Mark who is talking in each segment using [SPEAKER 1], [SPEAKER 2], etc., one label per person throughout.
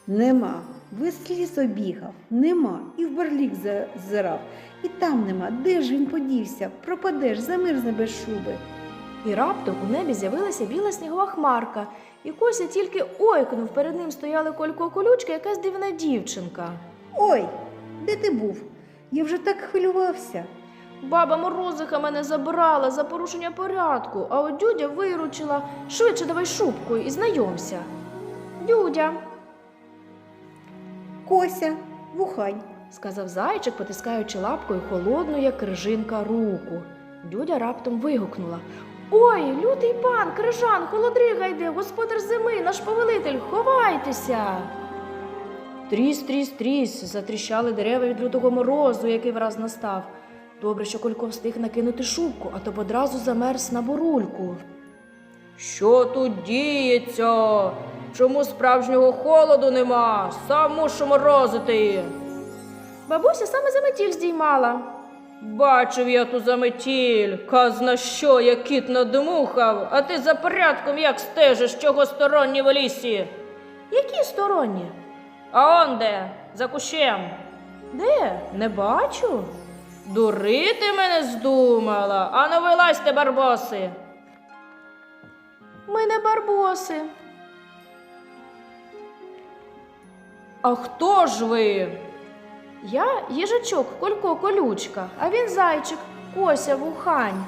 [SPEAKER 1] Нема. Весь ліс обігав. Нема. І в барлік зазирав. І там нема. Де ж він подівся? Пропадеш, замерзне без шуби.
[SPEAKER 2] І раптом у небі з'явилася біла снігова хмарка, і Кося тільки ойкнув, перед ним стояли Колько колючка, якась дивна дівчинка.
[SPEAKER 1] Ой, де ти був? Я вже так хвилювався.
[SPEAKER 2] Баба Морозиха мене забрала за порушення порядку, а от Дюдя виручила. Швидше давай шубку і знайомся. Дюдя,
[SPEAKER 1] Кося, вухань.
[SPEAKER 2] сказав зайчик, потискаючи лапкою холодну, як крижинка, руку. Дюдя раптом вигукнула. Ой, лютий пан, крижан, холодрига йде, господар зими, наш повелитель, ховайтеся. Тріс, тріс, тріс, затріщали дерева від лютого морозу, який враз настав. Добре, що Колько встиг накинути шубку, а то б одразу замерз на бурульку. Що тут діється? Чому справжнього холоду нема? Сам мушу морозити. Бабуся саме заметіль здіймала. Бачив я ту заметіль, казна що, як кіт надмухав, а ти за порядком як стежиш, чого сторонні в лісі? Які сторонні? А он де? За кущем. Де? Не бачу. Дурити мене здумала? Ану вилазьте, барбоси. Ми не барбоси. А хто ж ви? Я їжачок Колько колючка, а він зайчик Кося вухань.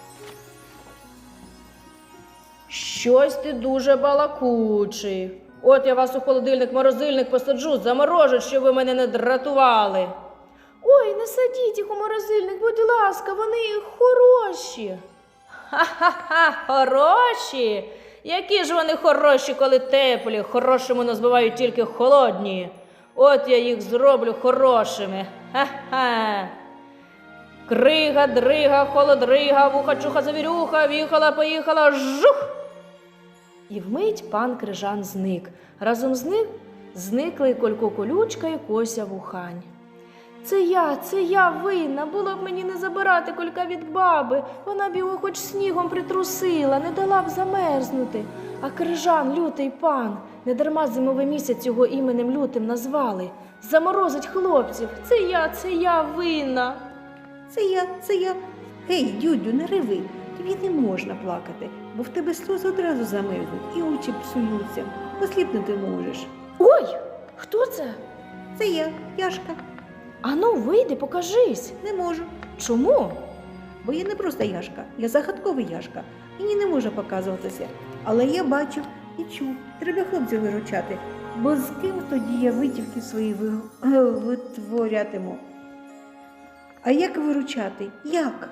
[SPEAKER 2] Щось ти дуже балакучий. От я вас у холодильник-морозильник посаджу, заморожу, щоб ви мене не дратували. Ой, не садіть їх у морозильник, будь ласка, вони хороші. Ха-ха-ха, хороші? Які ж вони хороші, коли теплі, хорошими називають тільки холодні. От я їх зроблю хорошими. Ха-ха. Крига, дрига, холодрига, вуха-чуха, завірюха, віхала, поїхала, жух! І вмить пан Крижан зник. Разом з ним зникли і Колько колючка, і Кося вухань. Це я винна, було б мені не забирати Колька від баби. Вона б його хоч снігом притрусила, не дала б замерзнути. А Крижан, лютий пан, недарма зимовий місяць його іменем лютим назвали. Заморозить хлопців. Це я винна.
[SPEAKER 1] Це я. Гей, Дюдю, не реви. Тобі не можна плакати, бо в тебе сльози одразу замерзнуть і очі псуються. Осліпнути можеш.
[SPEAKER 2] Ой, хто це?
[SPEAKER 1] Це я, Яшка.
[SPEAKER 2] Ану, вийди, покажись.
[SPEAKER 1] Не можу.
[SPEAKER 2] Чому?
[SPEAKER 1] Бо я не просто Яшка, я загадковий Яшка. Мені не може показуватися. Але я бачив і чув. Треба хлопців виручати. Бо з ким тоді я витівки свої витворятиму? А як виручати? Як?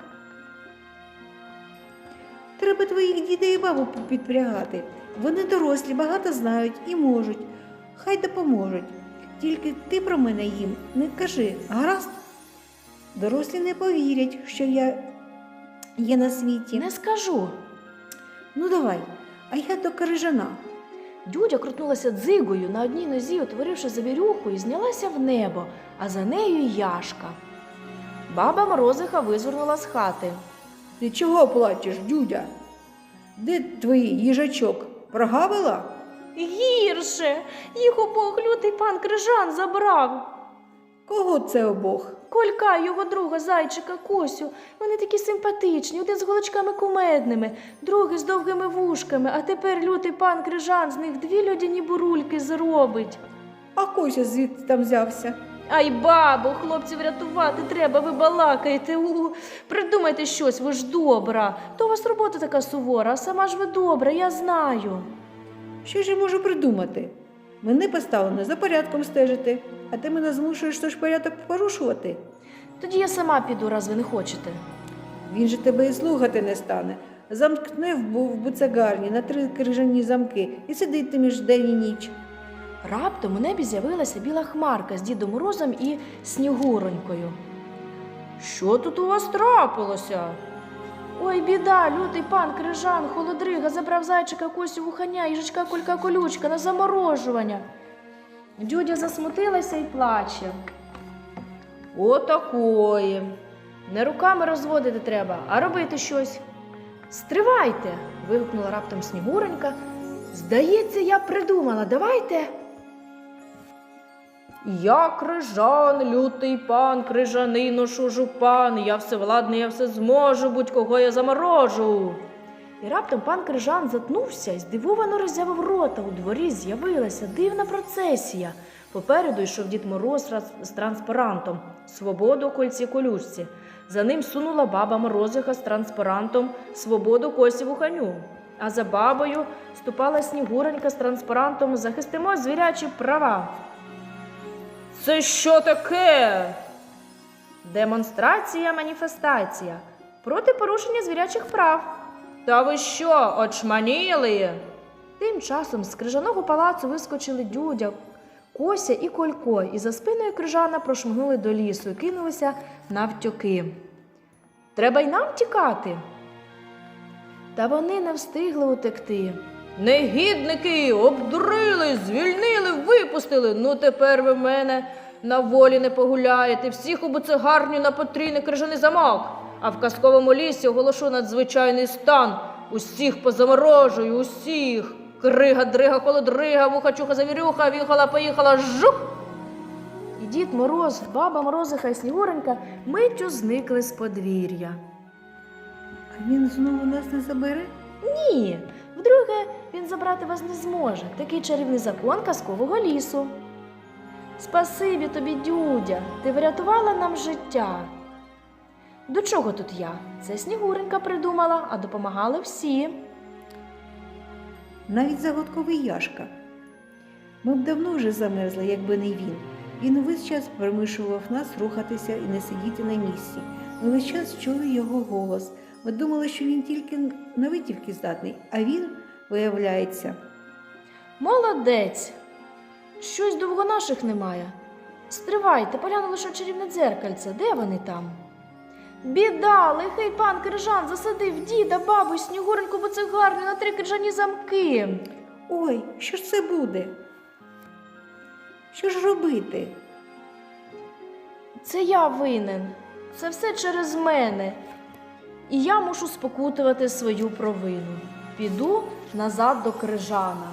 [SPEAKER 1] Треба твоїх дітей і бабу підпрягати. Вони дорослі, багато знають і можуть. Хай допоможуть. Тільки ти про мене їм не кажи, гаразд? Дорослі не повірять, що я є на світі.
[SPEAKER 2] Не скажу.
[SPEAKER 1] Ну давай, а я до Крижана.
[SPEAKER 2] Дюдя крутнулася дзигою на одній нозі, утворивши завірюху, і знялася в небо, а за нею й Яшка. Баба Морозиха визирнула з хати.
[SPEAKER 1] Ти чого плачеш, Дюдя? Де твій їжачок? Прогавила?
[SPEAKER 2] Гірше! Їх обох лютий пан Крижан забрав.
[SPEAKER 1] Кого це обох?
[SPEAKER 2] Колька, його друга, зайчика, Косю. Вони такі симпатичні, один з голочками кумедними, другий з довгими вушками, а тепер лютий пан Крижан з них дві льодяні бурульки зробить.
[SPEAKER 1] А Кося звідти там взявся?
[SPEAKER 2] Ай, бабо, хлопців рятувати треба, ви балакаєте. Придумайте щось, ви ж добра. То у вас робота така сувора, а сама ж ви добра, я знаю.
[SPEAKER 1] Що ж я можу придумати? Мене поставлено за порядком стежити, а ти мене змушуєш тож порядок порушувати.
[SPEAKER 2] Тоді я сама піду, раз ви не хочете.
[SPEAKER 1] Він же тебе і слухати не стане. Замкне в буцегарні на 3 крижані замки і сидить між день і ніч.
[SPEAKER 2] Раптом у небі з'явилася біла хмарка з Дідом Морозом і Снігуронькою. Що тут у вас трапилося? Ой, біда, лютий пан Крижан, холодрига, забрав зайчика, Косю вуханя, їжачка Колька колючка на заморожування. Дюдя засмутилася і плаче. Отакої. Не руками розводити треба, а робити щось. Стривайте, вигукнула раптом Снігуронька. Здається, я придумала, давайте. Я крижан, лютий пан, крижаний ношу жупан, я всевладний, я все зможу, будь-кого я заморожу. І раптом пан Крижан затнувся і здивовано роззявив рота. У дворі з'явилася дивна процесія. Попереду йшов Дід Мороз з транспарантом «Свободу кольці колючці». За ним сунула баба Морозиха з транспарантом «Свободу Косі Вуханю». А за бабою ступала Снігуренька з транспарантом «Захистимо звірячі права». Це що таке? Демонстрація, маніфестація проти порушення звірячих прав. Та ви що, очманіли? Тим часом з крижаного палацу вискочили Дюдя, Кося і Колько, і за спиною Крижана прошмигнули до лісу і кинулися навтьоки. Треба й нам тікати. Та вони не встигли утекти. Негідники, обдурили, звільнили, випустили. Ну тепер ви в мене на волі не погуляєте. Всіх у буцегарню на потрійний крижаний замок. А в казковому лісі оголошу надзвичайний стан. Усіх позаморожую, усіх. Крига, дрига, холодрига, вуха-чуха, завірюха, віхала-поїхала, жух! І Дід Мороз, баба Морозиха і Снігуренька миттю зникли з подвір'я.
[SPEAKER 1] А він знову нас не забере?
[SPEAKER 2] Ні, вдруге він забрати вас не зможе. Такий чарівний закон казкового лісу. Спасибі тобі, Дюдя, ти врятувала нам життя. До чого тут я? Це Снігуренька придумала, а допомагали всі.
[SPEAKER 1] Навіть загадковий Яшка. Ми б давно вже замерзли, якби не він. Він увесь час примушував нас рухатися і не сидіти на місці. Ми весь час чули його голос. Ми думали, що він тільки на витівки здатний, а він, виявляється.
[SPEAKER 2] Молодець! Щось довго наших немає. Стривайте, погляну лише в чарівне дзеркальце. Де вони там? Біда, лихий пан Крижан засадив діда, бабу, Снігуреньку буцегарню на 3 крижані замки.
[SPEAKER 1] Ой, що ж це буде? Що ж робити?
[SPEAKER 2] Це я винен. Це все через мене. І я мушу спокутувати свою провину. Піду назад до Крижана.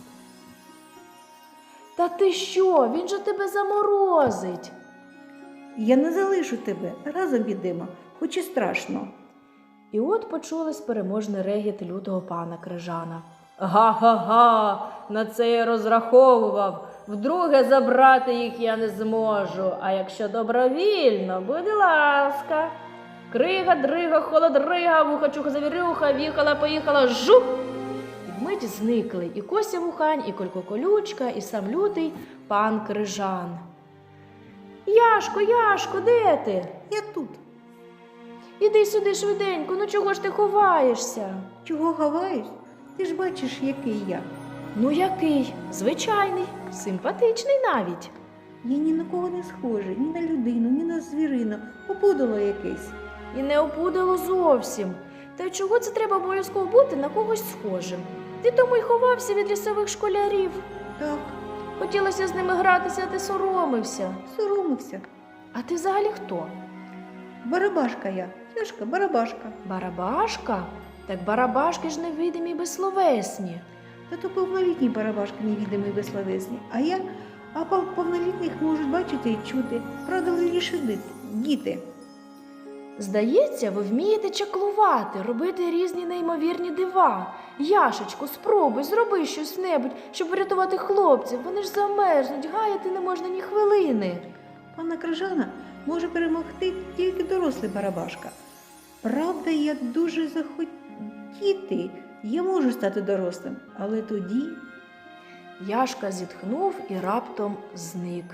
[SPEAKER 2] Та ти що? Він же тебе заморозить.
[SPEAKER 1] Я не залишу тебе, разом підемо, хоч і страшно.
[SPEAKER 2] І от почулись переможний регіт лютого пана Крижана. Га-га-га, на це я розраховував. Вдруге забрати їх я не зможу. А якщо добровільно, будь ласка. Крига, дрига, холодрига, вуха-чуха, завірюха, віхала-поїхала, жух! І вмить зникли і Кося Вухань, і Колько Колючка, і сам лютий пан Крижан. Яшко, Яшко, де ти?
[SPEAKER 1] Я тут.
[SPEAKER 2] Іди сюди швиденько, ну чого ж ти ховаєшся?
[SPEAKER 1] Чого ховаюсь? Ти ж бачиш, який я.
[SPEAKER 2] Ну який? Звичайний, симпатичний навіть.
[SPEAKER 1] Я ні на кого не схожий, ні на людину, ні на звірину, опудало якесь.
[SPEAKER 2] І не опудало зовсім. Та й чого це треба обов'язково бути на когось схожим? Ти тому й ховався від лісових школярів.
[SPEAKER 1] Так,
[SPEAKER 2] Хотілося з ними гратися, а ти соромився.
[SPEAKER 1] соромився.
[SPEAKER 2] А ти взагалі хто?
[SPEAKER 1] Барабашка я, Яшка, барабашка.
[SPEAKER 2] Барабашка? Так барабашки ж невидимі й безсловесні.
[SPEAKER 1] Та то повнолітні барабашки невідомі і безсловесні, а повнолітніх можуть бачити і чути. Правда, лише діти.
[SPEAKER 2] Здається, ви вмієте чаклувати, робити різні неймовірні дива. Яшечку, спробуй, зроби щось-небудь, щоб врятувати хлопців. Вони ж замерзнуть, гаяти не можна ні хвилини.
[SPEAKER 1] Пана Крижана може перемогти тільки дорослий барабашка. Правда, як дуже захотіти, я можу стати дорослим, але тоді...
[SPEAKER 2] Яшка зітхнув і раптом зник.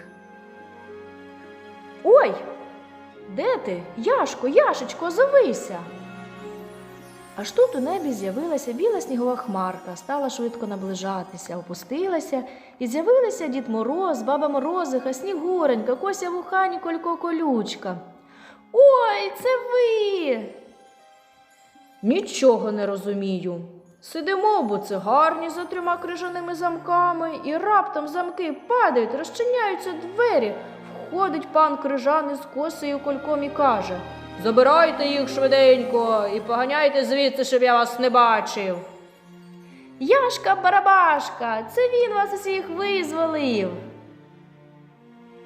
[SPEAKER 2] Ой! Де ти? Яшко, Яшечко, озовися! Аж тут у небі з'явилася біла снігова хмарка, стала швидко наближатися, опустилася, і з'явилися Дід Мороз, баба Морозиха, Снігуренька, Кося Вухань і Колько Колючка. Ой, це ви! Нічого не розумію. Сидимо в буцегарні за 3 крижаними замками, і раптом замки падають, розчиняються двері. Входить пан Крижан із Косею Кольком і каже: «Забирайте їх швиденько і поганяйте звідси, щоб я вас не бачив». Яшка Барабашка, це він вас усіх визволив.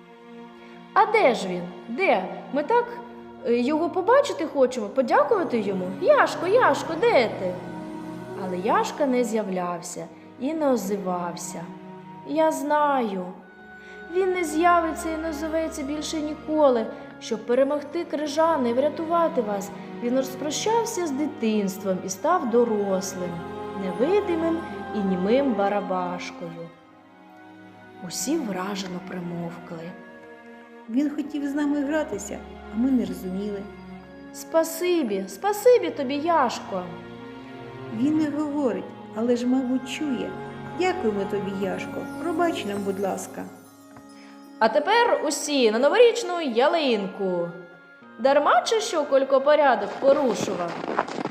[SPEAKER 2] А де ж він? Де? Ми так його побачити хочемо, подякувати йому. Яшко, Яшко, де ти? Але Яшка не з'являвся і не озивався. Я знаю. Він не з'явиться і не озоветься більше ніколи. Щоб перемогти крижани і врятувати вас, він розпрощався з дитинством і став дорослим, невидимим і німим барабашкою. Усі вражено примовкли.
[SPEAKER 1] Він хотів з нами гратися, а ми не розуміли.
[SPEAKER 2] Спасибі тобі, Яшко.
[SPEAKER 1] Він не говорить, але ж, мабуть, чує. Дякуємо тобі, Яшко. Пробач нам, будь ласка.
[SPEAKER 2] А тепер усі на новорічну ялинку. Дарма чи що Колько порядок порушував?